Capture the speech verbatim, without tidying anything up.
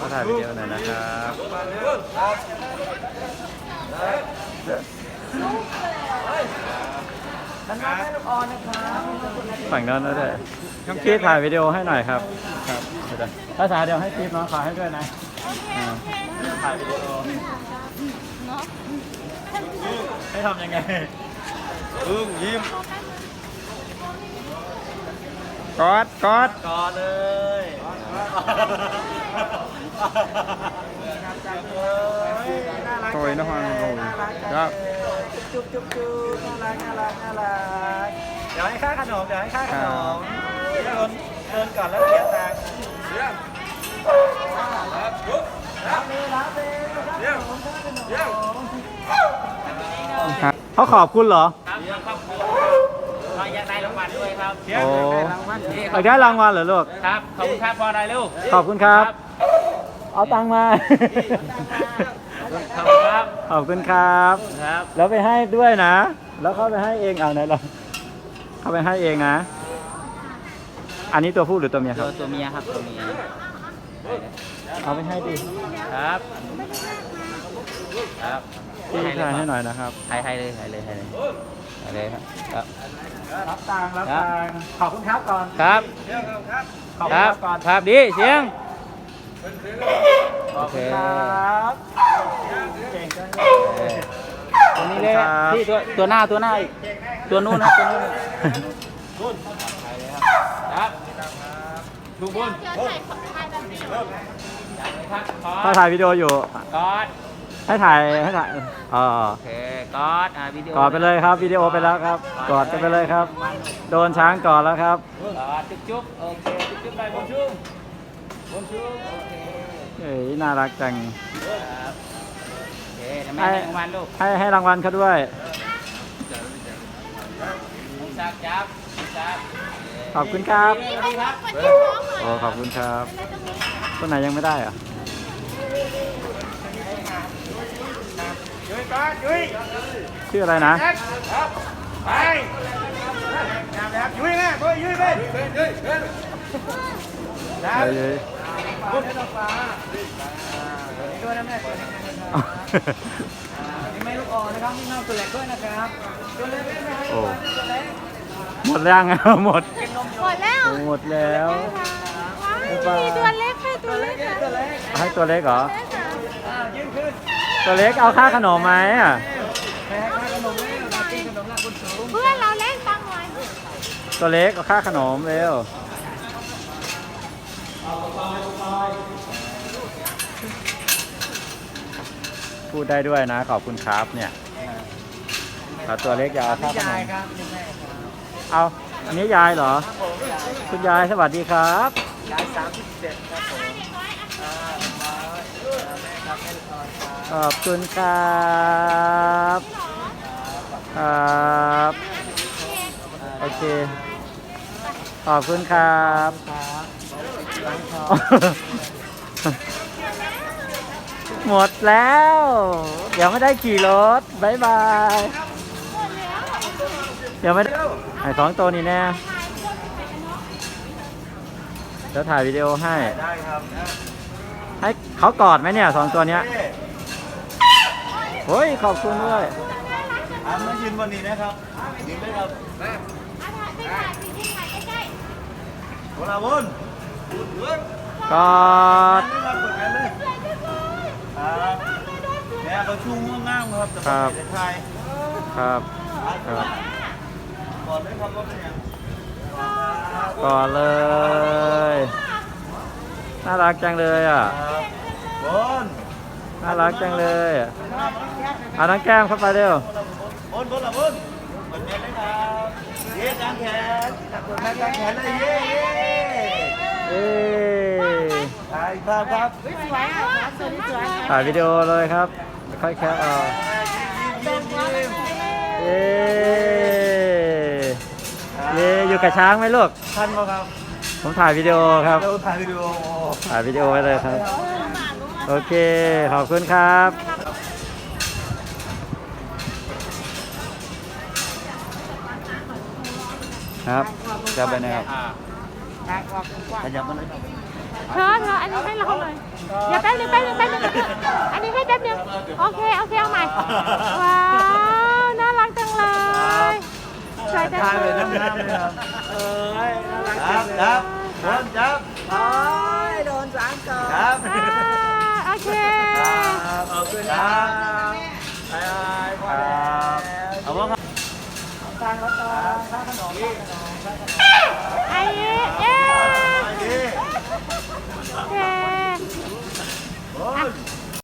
ขอถ่ายวิดีโอหน่อยนะครับฝั่งโน้นด้วยพี่ถ่ายวิดีโอให้หน่อยครับครับภาษาเดียวให้ทิปน้องขอให้ด้วยนะถ่ายวิดีโอให้ทำยังไงอึ้งยิ้มกอดกอดกอดเลยโอยนะฮะครับจุ๊บจุ๊บจุ๊บน่ารักน่ารักน่ารักเดี๋ยวให้ค่าขนมเดี๋ยวให้ค่าขนมเดินเดินก่อนแล้วเสียตังค์เยี่ยมครับยุบรับเลยรับเลยเยี่ยมเยี่ยมเขาขอบคุณเหรอเราอยากได้รางวัลด้วยครับโอ้อยากได้รางวัลเหรอลูกครับขอบคุณครับพอได้ลูกขอบคุณครับเอาตังค์มาขอบคุณครับขอบคุณครับครับแล้วไปให้ด้วยนะแล้วเขาไปให้เองเอาไหนเราเขาไปให้เองนะอันนี้ตัวผู้หรือตัวเมียครับตัวเมียครับตัวเมียเอาไปให้ดิครับครับพี่ถ่ายให้หน่อยนะครับถ่ายให้เลยถ่ายเลยถ่ายเลยถ่ายเลยครับรับตังค์รับตังค์ขอบคุณครับก่อนครับขอบคุณครับก่อนครับดีเสียงโอเคครับเก่งจังเลยตัวนี้เลยที่ตัวตัวหน้าตัวหน้าตัวนู้นนะตัวนู้นบุญครับดูบุญถ้าถ่ายวิดีโออยู่กอดให้ถ่ายให้ถ่ายอ๋อโอเคกอดอ่าวิดีโอกอดไปเลยครับวิดีโอไปแล้วครับกอดกันไปเลยครับโดนช้างกอดแล้วครับกอดจุ๊บจุ๊บโอเคจุ๊บจุ๊บไปบนชุ่มบนชุ่มโอเคเฮ้ยน่ารักจังครับโอเคทำไมให้รางวัลลูกให้ให้รางวัลเขาด้วยจับจับจับขอบคุณครับโอ้ขอบคุณครับตัวไหนยังไม่ได้อ่ะชื่ออะไรนะไปยุ้ยแม่ยุ้ยยุ้ยไปยุ้ยยุ้ยนะยุ้ยบุญให้ดอกฟ้าด้วยนะแม่นี่ไม่ลูกอ่อนนะครับมีน้องตัวเล็กด้วยนะครับตัวเล็กโอ้หมดแล้วไงหมดหมดแล้วหมดแล้วมีตัวเล็กให้ตัวเล็กให้ตัวเล็กเหรอตัวเล็กเอาค่าขนมไหมอ่ะเพื่อนเราเล็กตังหน่อยตัวเล็กเอาค่าขนมเร็วพูดได้ด้วยนะขอบคุณครับเนี่ยตัวเล็กจะเอาค่าขนมเอาอันนี้ยายเหรอคุณยายสวัสดีครับยายสามสิบเจ็ดครับผมขอบคุณครับครับโอเคขอบคุณครับหมดแล้วเดี๋ยวไม่ได้ขี่รถบายบายเดี๋ยวไม่ได้ไอ้สองตัวนี้แน่เดี๋ยวถ่ายวิดีโอให้ได้ครับให้เขากอดไหมเนี่ยสองตัวเนี้ยโอ้ยขอบคุณด้วยอ่ะมายืนบนนี้นะครับยืนได้ครับแม่โอ้ลาบุญกอดแม่เขาชุ่มง่ามครับครับครับครับกอดได้ครับรถเป็นยังกอดเลยน่ารักจังเลยอ่ะบนน่ารักจังเลยเอาน้องแก้มเข้าไปเร็วบนบนละบนบนเย็นเลยครับเย้จางแขนขอบคุณนะจางแขนเลยเย้เย้ถ่ายภาพครับถ่ายวิดีโอเลยครับค่อยแคปเอาเย้เย้อยู่กับช้างไหมลูกท่านบ่ครับผมถ่ายวิดีโอครับถ่ายวิดีโอถ่ายวิดีโอไว้เลยครับโอเคขอบคุณครับครับจะไปไหนครับขยับมาเลยครับเธอเธออันนี้ให้เราหน่อยเดี๋ยวแป๊บนึงแป๊บนึงแป๊บนึงอันนี้ให้แป๊บนึงโอเคโอเคเอาใหม่ว้าวน่ารักจังเลยสวยจังเลยเอ้ยน่ารักจัจับงเลยจับโดนจับโอ้ยโดนสามก่อนจับอ่าโอเคครับขอบคุณครับบายบายพอแล้วเอาว่าตังค์แล้วตังค์ค่าขนมค่าขนมค่าขนมไอ้เอ๊ะไปดิโอเคโอ้ย